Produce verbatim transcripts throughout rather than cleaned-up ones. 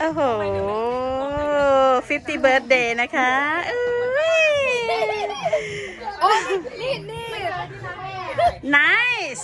โอ้โหฟิฟตี้เบิร์ธเดย์นะคะโอ้ยนี่นี่ nice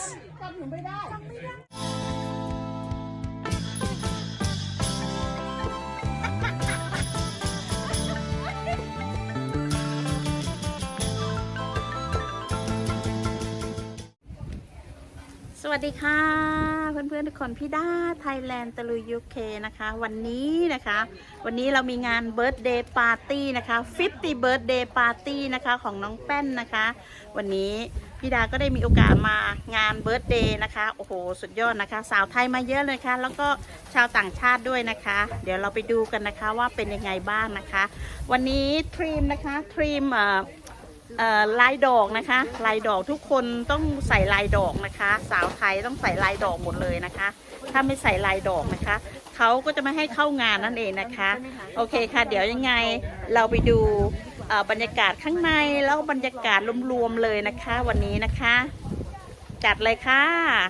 สวัสดีค่ะเพื่อนๆทุกคนพี่ด้าไทยแลนด์ตะลุยยูเคนะคะวันนี้นะคะวันนี้เรามีงานเบิร์ธเดย์ปาร์ตี้นะคะฟิฟตี้เบิร์ธเดย์ปาร์ตี้นะคะของน้องแป้นนะคะวันนี้พี่ดาก็ได้มีโอกาสมางานเบิร์ธเดย์นะคะโอ้โหสุดยอดนะคะสาวไทยมาเยอะเลยค่ะแล้วก็ชาวต่างชาติด้วยนะคะเดี๋ยวเราไปดูกันนะคะว่าเป็นยังไงบ้างนะคะวันนี้ทรีมนะคะทรีมเอ่อลายดอกนะคะลายดอกทุกคนต้องใส่ลายดอกนะคะสาวไทยต้องใส่ลายดอกหมดเลยนะคะถ้าไม่ใส่ลายดอกนะคะเขาก็จะไม่ให้เข้างานนั่นเองนะคะโอเคค่ะเดี๋ยวยังไงเราไปดูบรรยากาศข้างในแล้วบรรยากาศรวมๆเลยนะคะวันนี้นะคะจัดเลยค่ะ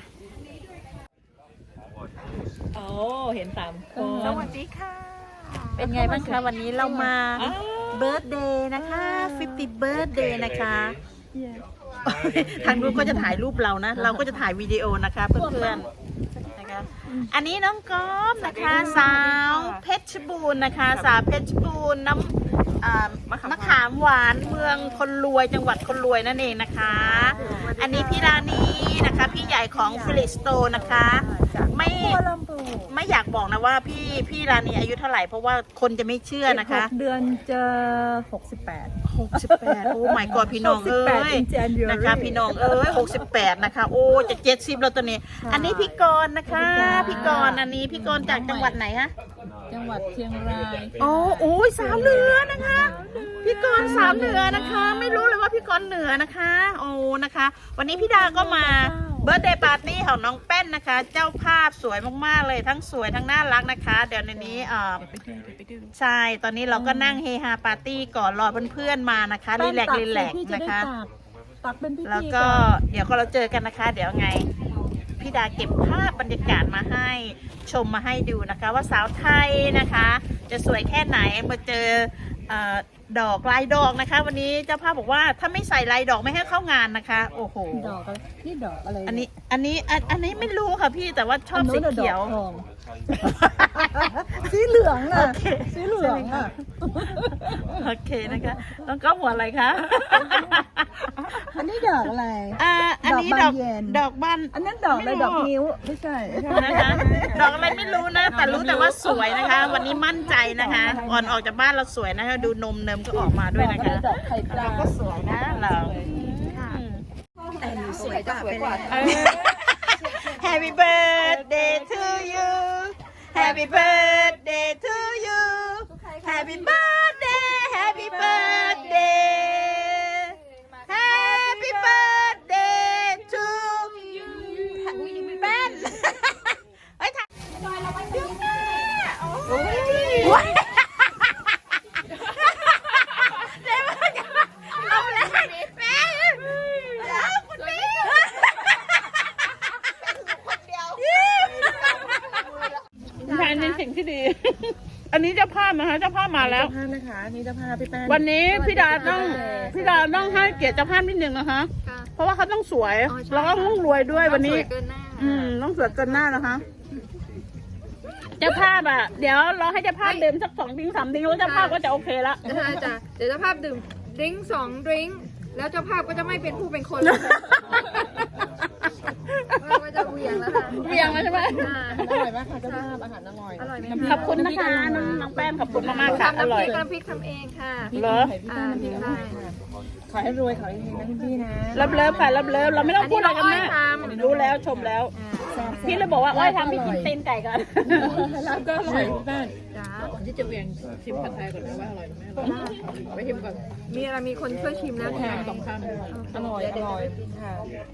โอ้เห็นสามคนสวัสดีค่ะเป็นไงบ้างคะวันนี้เรามาเบิร์ธเดย์นะคะฟิฟตี้เบิร์ธเดย์นะคะทางนู้นก็จะถ่ายรูปเรานะเราก็จะถ่ายวิดีโอนะคะเพื่อนๆนะคะอันนี้น้องก๊อฟนะคะสาวเพชรบูรณ์นะคะสาวเพชรบูรณ์น้ำมะขามหวานเมืองคนรวยจังหวัดคนรวยนั่นเองนะคะอันนี้พี่รานีนะคะพี่ใหญ่ของฟิลิสโตนะคะไม่ไม่อยากบอกนะว่าพี่พี่รานีอายุเท่าไหร่เพราะว่าคนจะไม่เชื่อนะคะเดือนจะหกสิบแปดหกสิบแปดโอ้ my god พี่น้องเอ้ยนะคะพี่น้องเอ้ยหกสิบแปดนะคะโอ้จะเจ็ดสิบแล้วตัวนี้อันนี้พี่กรณ์นะคะพี่กรณ์อันนี้พี่กรณ์จากจังหวัดไหนคะจังหวัดเชียงรายโอ้โอ้ยสาวเหนือนะคะพี่กรณ์สาวเหนือนะคะไม่รู้เลยว่าพี่กรณ์เหนือนะคะโอ้นะคะวันนี้พี่ดาก็มาเบิร์ธเดย์ปาร์ตี้ของน้องแป้นนะคะเจ้าภาพสวยมากๆเลยทั้งสวยทั้งน่ารักนะคะเดี๋ยวในนี้เอ่อใช่ตอนนี้เราก็นั่งเฮฮาปาร์ตี้ก่อนรอเพื่อนๆมานะคะรีแลกรีแลกนะคะตักเป็นพิธีแล้วก็เดี๋ยวก็เราเจอกันนะคะเดี๋ยวไงพี่ดาเก็บภาพบรรยากาศมาให้ชมมาให้ดูนะคะว่าสาวไทยนะคะจะสวยแค่ไหนมาเจอดอกลายดอกนะคะวันนี้เจ้าภาพบอกว่าถ้าไม่ใส่ลายดอกไม่ให้เข้างานนะคะโอ้โหดอกอะไรนี่ดอกอะไรอันนี้อันนี้อันนี้ไม่รู้ค่ะพี่แต่ว่าชอบสีเขียวสีเหลืองอ่ะสีเหลืองอ่ะโอเคนะคะต้องก็หัวอะไรคะอันนี้ดอกอะไรอ่าอันนี้ดอกดอกบานอันนั้นดอกอะไรดอกนิ้วไม่ใช่นะคะดอกอะไรไม่รู้นะแต่รู้แต่ว่าสวยนะคะวันนี้มั่นใจนะคะก่อนออกจากบ้านเราสวยนะคะดูนมเนิมก็ออกมาด้วยนะคะเราก็สวยนะเราแต่หนูสวยกว่าสวยกว่า Happy birthday to you Happy birthday to you Happy birthday Happy birthday Happy birthday to you แป้นเฮ้ยถ่ายเราไปดูแม่โอ้ยเอาเลยแม่คุณพี่แทนในสิ่งที่ดีอันนี้เจ้าภาพนะคะเจ้าภาพมาแล้วเจ้าภาพนะคะนี่เจ้าภาพพี่แป้นวันนี้พี่ดาต้องพี่ดาต้องให้เกียรติเจ้าภาพนิดนึงนะคะเพราะว่าเขาต้องสวยแล้วก็ต้องรวยด้วยวันนี้อืมต้องสวยเกินหน้านะคะเจ้าภาพอ่ะเดี๋ยวรอให้เจ้าภาพดื่มสักสองดิ้งสามดิ้งแล้วเจ้าภาพก็จะโอเคละจ้ะเดี๋ยวเจ้าภาพดื่มดิ้งสองดิ้งแล้วเจ้าภาพก็จะไม่เป็นผู้เป็นคนแล้วก็จะเวียงแล้วค่ะเวียงแล้วใช่ไหมอร่อยมากค่ะเจ้าภาพอาหารอร่อยอร่อยไหมขอบคุณนะคะน้องแป้งขอบคุณมากๆค่ะอร่อยน้ำพริกทำเองค่ะเหรออ่าพี่ค่ะขอให้รวยขอให้เฮงนะพี่นะรับเลิฟค่ะรับเลิฟเราไม่ต้องพูดอะไรกันแม่รู้แล้วชมแล้วพี่เลยบอกว่าอ้อยทำพี่กินเต้นไก่ก่อนแล้วก็อร่อยบ้านจ้าก่อนที่จะเวียงชิมผัดไทยก่อนนะว่าอร่อยไหมอร่อยไปชิมก่อนมีอะไรมีคนช่วยชิมแล้วแทนสองคำอร่อยอร่อยค่ะ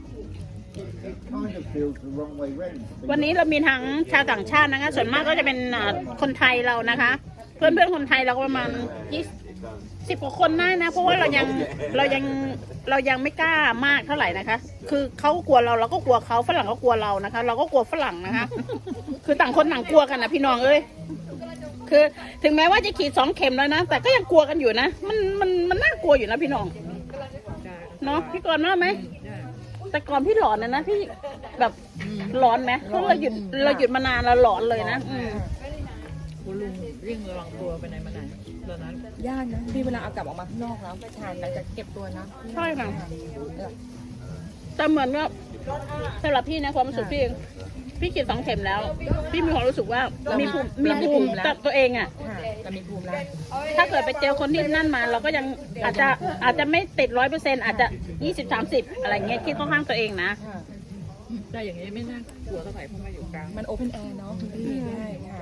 วันนี้เรามีทั้งชาวต่างชาตินะคะส่วนมากก็จะเป็นคนไทยเรานะคะเพื่อนเพื่อนคนไทยเราประมาณยี่สิบกว่าคนได้นะเพราะว่าเรายังเรายังเรายังไม่กล้ามากเท่าไหร่นะคะคือเขากลัวเราเราก็กลัวเขาฝรั่งก็กลัวเรานะคะเราก็กลัวฝรั่งนะคะคือต่างคนต่างกลัวกันนะพี่น้องเอ้ยคือถึงแม้ว่าจะฉีดสองเข็มแล้วนะแต่ก็ยังกลัวกันอยู่นะมันมันมันน่ากลัวอยู่นะพี่น้องเนาะพี่กรณ์ว่าไหมแต่ก่อนพี่หลอนนะนะพี่แบบหลอนไหมเพราะเราหยุดเราหยุดมานานเราหลอนเลยนะอืมคุณลุงวิ่งระวังตัวไปไหนมาไหนตอนนั้นยากนะพี่เวลาเอากลับออกมาข้างนอกแล้วไปทานแล้วจะเก็บตัวนะใช่ค่ะแต่เหมือนว่าสำหรับพี่นะความรู้สึกพี่เองพี่ฉีดสองเข็มแล้ว พี่มีความรู้สึกว่ามีภูมิมีภูมิกับตัวเองอ่ะค่ะจะมีภูมิแล้วถ้าเกิดไปเจอคนที่นั่นมา เราก็ยังอาจจะอาจจะไม่ติดร้อยเปอร์เซ็นต์อาจจะยี่สิบสามสิบอะไรเงี้ยคิดเข้าข้างตัวเองนะค่ะแต่อย่างนี้ไม่น่ากลัวเท่าไหร่เพราะมาอยู่กลางมันโอเพนแอร์เนาะคุณพี่ได้ค่ะ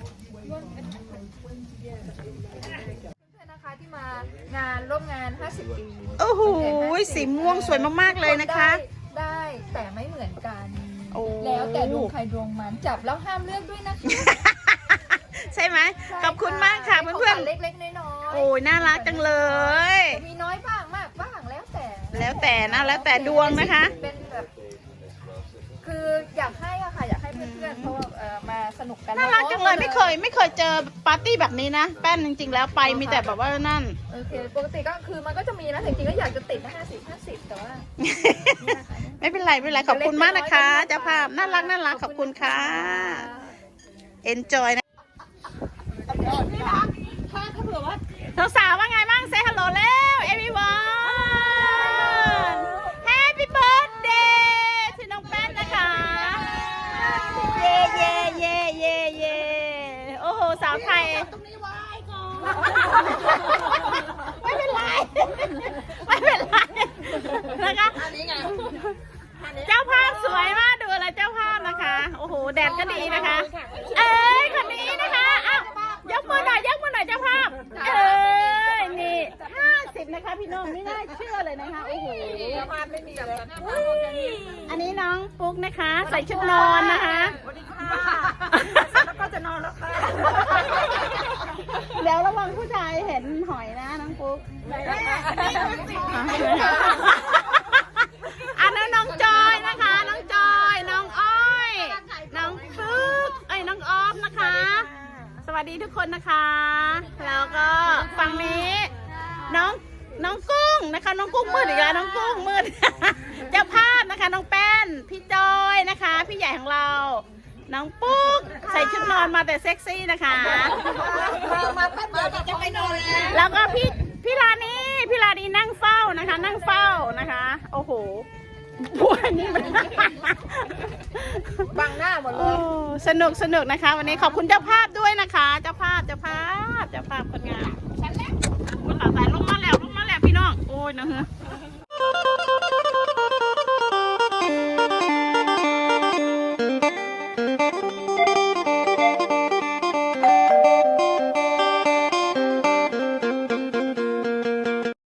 เพื่อนๆนะคะที่มางานร่วมงาน ห้าสิบ ปีโอ้โหสีม่วงสวยมากๆเลยนะคะได้ได้แต่ไม่เหมือนกันโอ้แล้วแต่ดวงใครดวงมันจับแล้วห้ามเลือกด้วยนะคะใช่ไหมขอบคุณมากค่ะเพื่อนๆเล็กๆน้อยๆโอ้ยน่ารักจังเลยมีน้อยบ้างมากบ้างแล้วแต่แล้วแต่นะแล้วแต่ดวงนะคะเป็นแบบคืออยากให้อะค่ะอยากให้เพื่อนๆเพราะว่าเอ่อมาสนุกกันน่ารักจังเลยไม่เคยไม่เคยเจอปาร์ตี้แบบนี้นะแป้นจริงๆแล้วไปมีแต่แบบว่านั่นโอเคปกติก็คือมันก็จะมีนะจริงๆก็อยากจะติดห้าสิบห้าสิบแต่ว่าไม่เป็นไรไม่เป็นไรขอบคุณมากนะคะเจ้าภาพน่ารักน่ารักขอบคุณค่ะ enjoy นะสาวๆว่าไงบ้าง say hello แล้ว everyone happy birthday ถึงน้องแป้นนะคะ เย่เย่เย่เย่เย่โอ้โหสาวไทยไม่เป็นไรไม่เป็นไรนะคะเจ้าภาพสวยมากดูอะไรเจ้าภาพนะคะโอ้โหแดดก็ดีนะคะ เอ้ยคนนี้นะคะอ้าวยกมือหน่อยยกมือหน่อยเจ้าภาพเอ้ยนี่ห้าสิบนะคะพี่น้องไม่น่าเชื่อเลยนะคะโอ้โหเจ้าภาพไม่มีแบบอันนี้น้องปุ๊กนะคะ ใส่ชุดนอนนะคะสวัสดีค่ะแล้วก็จะนอนแล้วค่ะเดี๋ยวระวังผู้ชายเห็นหอยนะน้องปุ๊กอันนั้นน้องจอยนะคะน้องจอยน้องอ้อยน้องปุ๊กเอ้ยน้องออฟนะคะ สวัสดีทุกคนนะคะ แล้วก็ฝั่งนี้น้องน้องกุ้งนะคะ น้องกุ้งมืดอีกแล้วน้องกุ้งมืด เจ้าภาพนะคะน้องแป้นพี่จอยนะคะ พี่ใหญ่ของเรา น้องปุ๊กใส่ชุดนอนมาแต่เซ็กซี่นะคะมาแป๊บเดียวจะไปนอนแล้วแล้วก็พี่พี่ลานีพี่ลานีนั่งเฝ้านะคะ นั่งเฝ้านะคะ โอ้โหพวกนี้มันบังหน้าหมดเลโอ้ยสนุกสนุกนะคะ วันนี้ขอบคุณเจ้าภาพด้วยนะคะ เจ้าภาพเจ้าภาพเจ้าภาพคนงามฉันเล็กคุณหลานสายลงมาแล้วลงมาแล้วพี่น้องโอ้ยนะฮะ